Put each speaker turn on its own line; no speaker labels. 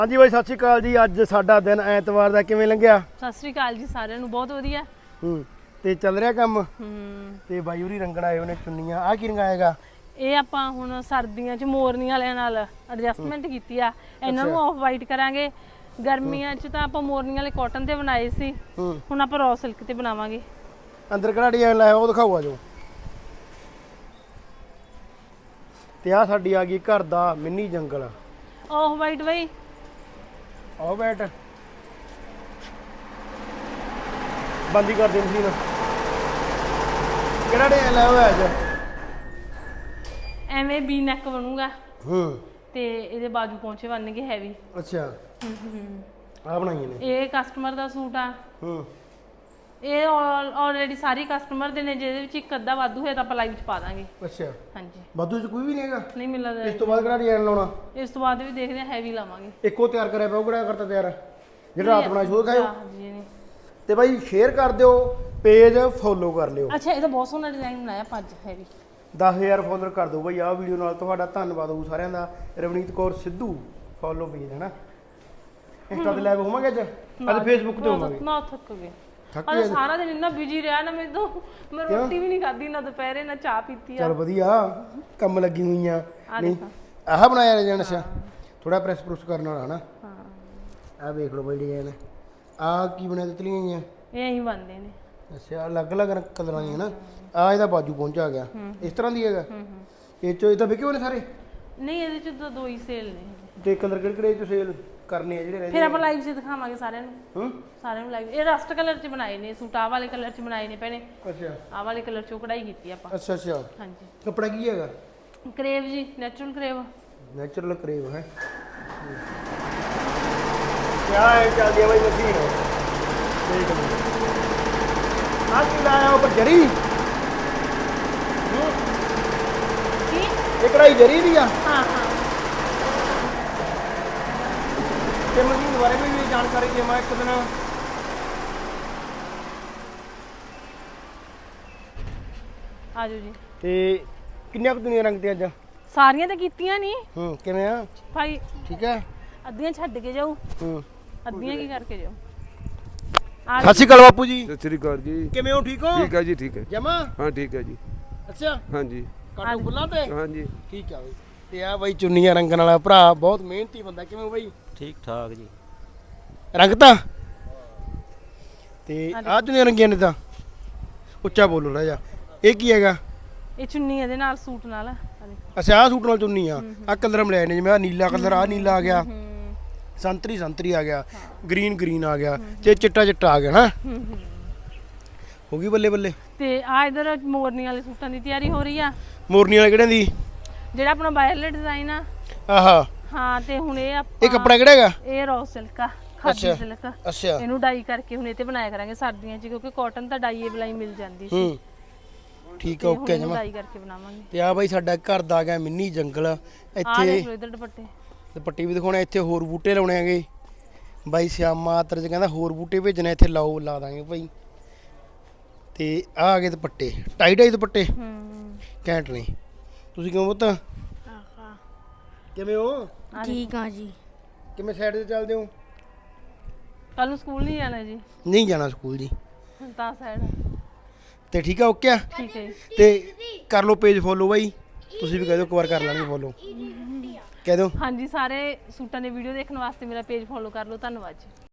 हाँ जी भाई सत श्री अकाल जी। अज साडा दिन ऐतवार दा किवें लंघिया?
सत श्री अकाल जी सारिਆਂ ਨੂੰ ਬਹੁਤ ਵਧੀਆ।
ਤੇ ਚੱਲ ਰਿਹਾ ਕੰਮ। ਤੇ ਬਾਈ ਹੋਰੀ ਰੰਗਣ ਆਏ ਉਹਨੇ ਚੁੰਨੀਆਂ। ਆ ਕੀ ਰੰਗਾਏਗਾ?
ਇਹ ਆਪਾਂ ਹੁਣ ਸਰਦੀਆਂ 'ਚ ਮੋਰਨੀਆਂ ਵਾਲਿਆਂ ਨਾਲ ਐਡਜਸਟਮੈਂਟ ਕੀਤੀ ਆ। ਇਹਨਾਂ ਨੂੰ ਆਫ ਵਾਈਟ ਕਰਾਂਗੇ। ਗਰਮੀਆਂ 'ਚ ਤਾਂ ਆਪਾਂ ਮੋਰਨੀਆਂ ਵਾਲੇ ਕਾਟਨ ਤੇ ਬਣਾਏ ਸੀ, ਹੁਣ ਆਪਾਂ ਰॉ ਸਿਲਕ ਤੇ ਬਣਾਵਾਂਗੇ।
ਅੰਦਰ ਕਿਹੜਾ ਡਿਜ਼ਾਈਨ ਲਾਇਆ ਉਹ ਦਿਖਾਓ ਆ ਜੋ। ਤੇ ਆ ਸਾਡੀ ਆ ਗਈ ਘਰ ਦਾ ਮਿੰਨੀ ਜੰਗਲ।
ਆਫ ਵਾਈਟ ਬਈ
ਆਓ ਬੈਠ ਬੰਦੀ ਕਰ ਦੇ ਮਸ਼ੀਨ। ਕਿਹੜਾ ਡਿਜ਼ਾਈਨ ਲਾਇਆ ਹੋਇਆ ਅੱਜ?
ਐਵੇਂ ਵੀ ਨੈਕ ਬਣੂਗਾ ਤੇ ਇਹਦੇ ਬਾਜੂ ਪਹੁੰਚੇ ਬਣਨਗੇ ਹੈਵੀ।
ਅੱਛਾ ਆ ਬਣਾਈਆਂ ਨੇ।
ਇਹ ਕਸਟਮਰ ਦਾ ਸੂਟ ਆ। ਇਹ ਆਲਰੇਡੀ ਸਾਰੀ ਕਸਟਮਰ ਦੇ ਨੇ, ਜਿਹਦੇ ਵਿੱਚ ਇੱਕ ਅੱਧਾ ਵਾਧੂ ਹੈ ਤਾਂ ਆਪਾਂ ਲਾਈਵ ਚ ਪਾ ਦਾਂਗੇ।
ਅੱਛਾ
ਹਾਂਜੀ
ਵਾਧੂ ਚ ਕੋਈ ਵੀ ਨਹੀਂ ਹੈਗਾ?
ਨਹੀਂ ਮਿਲਦਾ।
ਇਸ ਤੋਂ ਬਾਅਦ ਕਿਹੜਾ ਡਿਜ਼ਾਈਨ ਲਾਉਣਾ?
ਇਸ ਤੋਂ ਬਾਅਦ ਵੀ ਦੇਖਦੇ ਆ ਹੈਵੀ ਲਾਵਾਂਗੇ।
ਇੱਕੋ ਤਿਆਰ ਕਰਿਆ ਪਿਆ ਉਹ ਕਿਹੜਾ ਕਰਤਾ ਤਿਆਰ ਜਿਹੜਾ ਰਾਤ ਬਣਾ ਸ਼ੋਅ ਖਾਇਓ।
ਹਾਂਜੀ ਨਹੀਂ।
ਤੇ ਬਾਈ ਸ਼ੇਅਰ ਕਰ ਦਿਓ, ਪੇਜ ਫੋਲੋ ਕਰ ਲਿਓ।
ਅੱਛਾ ਇਹ ਤਾਂ ਬਹੁਤ ਸੋਹਣਾ ਡਿਜ਼ਾਈਨ ਬਣਾਇਆ ਪੰਜ ਹੈਵੀ।
10,000 ਫੋਲੋਅਰ ਕਰ ਦਿਓ ਬਾਈ ਆਹ ਵੀਡੀਓ ਨਾਲ। ਤੁਹਾਡਾ ਧੰਨਵਾਦ ਹੋਊ ਸਾਰਿਆਂ ਦਾ। ਰਵਨੀਤ ਕੌਰ ਸਿੱਧੂ ਫੋਲੋ ਪੇਜ ਹੈ ਨਾ। ਇੰਸਟਾ ਤੇ ਲਾਈਵ ਹੋਵਾਂਗੇ ਅੱਜ ਫੇਸਬੁੱਕ ਤੇ ਹੋਵਾਂਗੇ।
ਨਾ ਥੱਕ ਗਏ
ਥੱਕ
ਅੱਜ ਸਾਰਾ ਦਿਨ ਇੰਨਾ ਬਿਜੀ ਰਿਹਾ ਨਾ। ਮੈਂ ਰੋਟੀ ਵੀ ਨਹੀਂ ਖਾਧੀ, ਨਾ ਦੁਪਹਿਰੇ ਨਾ ਚਾਹ ਪੀਤੀ ਆ।
ਚਲ ਵਧੀਆ ਕੰਮ ਲੱਗੀ ਹੋਈਆਂ। ਨਹੀਂ
ਦੇਖੋ
ਆਹ ਬਣਾਇਆ ਰਜਨ। ਅੱਛਾ ਥੋੜਾ ਪ੍ਰੈਸ ਪ੍ਰੂਸ ਕਰਨ ਵਾਲਾ ਹਨਾ। ਹਾਂ ਆਹ ਵੇਖ ਲਓ ਬਾਈ ਡਿਜ਼ਾਈਨ। ਆਹ ਕੀ ਬਣਿਆ ਤਿਤਲੀਆਂ ਗਈਆਂ?
ਇਹ ਐਂ ਬਣਦੇ ਨੇ।
ਅੱਛਾ ਅਲੱਗ-ਅਲੱਗ ਕਲਰਾਂ ਦੀਆਂ ਨਾ। ਆ ਇਹਦਾ ਬਾਜੂ ਪਹੁੰਚਾ ਗਿਆ ਇਸ ਤਰ੍ਹਾਂ ਦੀ ਹੈਗਾ। ਇਹ ਚੋ ਇਹ ਤਾਂ ਵਿਕੇ ਹੋਣੇ ਸਾਰੇ?
ਨਹੀਂ ਇਹਦੇ ਚ ਤਾਂ ਦੋ ਹੀ ਸੇਲ ਨੇ।
ਤੇ ਕਲਰ ਕਿਹੜੇ ਚ ਸੇਲ ਕਰਨੇ ਆ ਜਿਹੜੇ ਰਹਿੰਦੇ?
ਫਿਰ ਆਪਾਂ ਲਾਈਵ 'ਚ ਦਿਖਾਵਾਂਗੇ ਸਾਰਿਆਂ ਨੂੰ। ਸਾਰਿਆਂ ਨੂੰ ਲਾਈਵ। ਇਹ ਰਸਟ ਕਲਰ 'ਚ ਬਣਾਏ ਨੇ ਸੂਟ। ਆਹ ਵਾਲੇ ਕਲਰ 'ਚ ਬਣਾਏ ਨੇ ਭੈਣੇ।
ਅੱਛਾ
ਆਹ ਵਾਲੇ ਕਲਰ 'ਚੋਂ ਕਢਾਈ ਕੀਤੀ ਆਪਾਂ।
ਅੱਛਾ ਅੱਛਾ
ਹਾਂਜੀ
ਕੱਪੜਾ ਕੀ ਹੈਗਾ?
ਕਰੇਵ ਜੀ, ਨੈਚੁਰਲ ਕਰੇਵ।
ਨੈਚੁਰਲ ਕਰੇਵ ਹੈ। ਕਿਆ ਹੈ ਚੱਲਦੀ ਹੈ ਬਾਈ ਮਸ਼ੀਨ। ਦੇਖ ਲਓ ਆਹ ਕੀ ਲਾਇਆ ਉੱਪਰ ਜਰੀ?
ਕੀ
ਇਹ ਕਢਾਈ ਜਰੀ ਦੀ ਆ?
ਹਾਂ ਹਾਂ।
ਤੇ ਮਸ਼ੀਨ ਬਾਰੇ ਵੀ ਜਾਣਕਾਰੀ ਦੇਵਾਂ ਇੱਕ ਦਿਨ।
ਆਜੋ ਜੀ।
ਤੇ ਕਿੰਨੀਆਂ ਕੁ ਦੁਨੀਆ ਰੰਗ ਤੇ ਅੱਜ?
ਸਾਰੀਆਂ ਤਾਂ ਕੀਤੀਆਂ ਨਹੀਂ
ਕਿਵੇਂ ਆ?
ਭਾਈ।
ਠੀਕ ਹੈ।
ਅੱਧੀਆਂ ਛੱਡ ਕੇ ਜਾਊ, ਅੱਧੀਆਂ ਕੀ ਕਰਕੇ ਜਾਊ।
ਸਤਿ ਸ਼੍ਰੀ ਅਕਾਲ ਬਾਪੂ ਜੀ।
ਸਤਿ ਸ੍ਰੀ ਅਕਾਲ ਜੀ।
ਕਿਵੇਂ ਹੋ? ਠੀਕ ਹੋ?
ਠੀਕ ਹੈ ਜੀ, ਠੀਕ ਹੈ।
ਜਮਾ
ਹਾਂ ਠੀਕ ਹੈ ਜੀ।
ਅੱਛਾ
ਹਾਂਜੀ
ਕਾਟੋ ਬੁੱਲਾਂ ਤੇ?
ਹਾਂਜੀ
ਠੀਕ ਆ ਬਈ। ਤੇ ਆ ਬਾਈ ਚੁੰਨੀਆਂ ਰੰਗਣ ਵਾਲਾ ਭਰਾ ਬਹੁਤ ਮਿਹਨਤੀ ਬੰਦਾ। ਕਿਵੇਂ ਬਾਈ?
ਠੀਕ ਠਾਕ ਜੀ।
ਰੰਗ ਤਾਂ ਤੇ ਆਹ ਚੁੰਨੀਆਂ ਰੰਗੀਆਂ ਨੇ ਤਾਂ ਉੱਚਾ ਬੋਲੋ ਨਾ ਜਾ। ਇਹ ਕੀ ਹੈਗਾ?
ਇਹ ਚੁੰਨੀ ਇਹਦੇ ਨਾਲ ਸੂਟ ਨਾਲ।
ਅੱਛਾ ਆਹ ਸੂਟ ਨਾਲ ਚੁੰਨੀ ਆ। ਆਹ ਕਲਰ ਮਿਲਾਏ ਨੇ ਜਿਵੇਂ ਆਹ ਨੀਲਾ ਕਲਰ, ਆਹ ਨੀਲਾ ਆ ਗਿਆ, ਸੰਤਰੀ ਸੰਤਰੀ ਆ ਗਿਆ, ਗ੍ਰੀਨ ਗ੍ਰੀਨ ਆ ਗਿਆ ਤੇ ਚਿੱਟਾ ਚਿੱਟਾ ਆ ਗਿਆ ਨਾ। ਹੋ ਗਈ ਬੱਲੇ ਬੱਲੇ।
ਤੇ ਆ ਇਧਰ ਮੋਰਨੀ ਵਾਲੇ ਸੂਟਾਂ ਦੀ ਤਿਆਰੀ ਹੋ ਰਹੀ ਆ।
ਮੋਰਨੀ ਵਾਲੇ ਕਿਹੜੇ ਦੀ?
ਜਿਹੜਾ ਆਪਣਾ ਵਾਇਰਲੈਟ ਡਿਜ਼ਾਈਨ ਆ।
ਆਹਾ
ਹਾਂ ਤੇ ਹੁਣ ਇਹ
ਇਹ ਕੱਪੜਾ ਕਿਹੜਾ ਹੈਗਾ?
ਇਹ ਰॉ ਸਿਲਕ ਆ, ਖਾਦੀ ਸਿਲਕ।
ਅੱਛਾ
ਇਹਨੂੰ ਡਾਈ ਕਰਕੇ ਹੁਣ ਇਹ ਤੇ ਬਣਾਇਆ ਕਰਾਂਗੇ ਸਰਦੀਆਂ 'ਚ, ਕਿਉਂਕਿ ਕਾਟਨ ਤਾਂ ਡਾਈ ਬਲਾਈ ਮਿਲ ਜਾਂਦੀ ਸੀ।
ਠੀਕ ਆ ਓਕੇ ਜਮਾ।
ਡਾਈ ਕਰਕੇ ਬਣਾਵਾਂਗੇ।
ਤੇ ਆ ਬਾਈ ਸਾਡਾ ਘਰ ਦਾ ਆ ਗਿਆ ਮਿੰਨੀ ਜੰਗਲ।
ਆ
ਇੱਥੇ
ਦੇਖ ਲਓ ਇਧਰ ਦੁਪੱਟੇ
ਤੇ ਪੱਟੀ ਵੀ ਦਿਖਾਉਣਾ। ਇੱਥੇ ਹੋਰ ਬੂਟੇ ਲਾਉਣੇ ਆਗੇ ਬਾਈ। ਸਿਆਮਾ ਆਤਰ ਚ ਕਹਿੰਦਾ ਹੋਰ ਬੂਟੇ ਭੇਜਣੇ ਇੱਥੇ ਲਾਓ, ਲਾ ਦਾਂਗੇ ਭਾਈ। ਤੇ ਆ ਗਏ ਦੁਪੱਟੇ ਟਾਈ ਟਾਈ ਦੁਪੱਟੇ ਘੈਂਟ ਨੇ। ਤੁਸੀਂ ਕਿਵੇਂ ਪੁੱਤ? ਕਿਵੇਂ ਹੋ?
ਠੀਕ ਆ ਜੀ।
ਕਿਵੇਂ ਸਾਈਡ ਤੇ ਚੱਲਦੇ ਹੋ?
ਕੱਲ ਨੂੰ ਸਕੂਲ ਨਹੀਂ ਜਾਣਾ ਜੀ?
ਨਹੀਂ ਜਾਣਾ ਸਕੂਲ ਜੀ।
ਹੁਣ ਤਾਂ ਸਾਈਡ
ਤੇ ਠੀਕ ਆ ਓਕੇ ਆ।
ਠੀਕ ਹੈ ਜੀ।
ਤੇ ਕਰ ਲਓ ਪੇਜ ਫੋਲੋ ਬਾਈ। ਤੁਸੀਂ ਵੀ ਕਹਿ ਦਿਓ ਇੱਕ ਵਾਰ ਕਰ ਲੈਣੀ ਫੋਲੋ। ਕਹਿ ਦਿਓ।
ਹਾਂਜੀ ਸਾਰੇ ਸੂਟਾਂ ਦੇ ਵੀਡੀਓ ਦੇਖਣ ਵਾਸਤੇ ਮੇਰਾ ਪੇਜ ਫੋਲੋ ਕਰ ਲਓ। ਧੰਨਵਾਦ ਜੀ।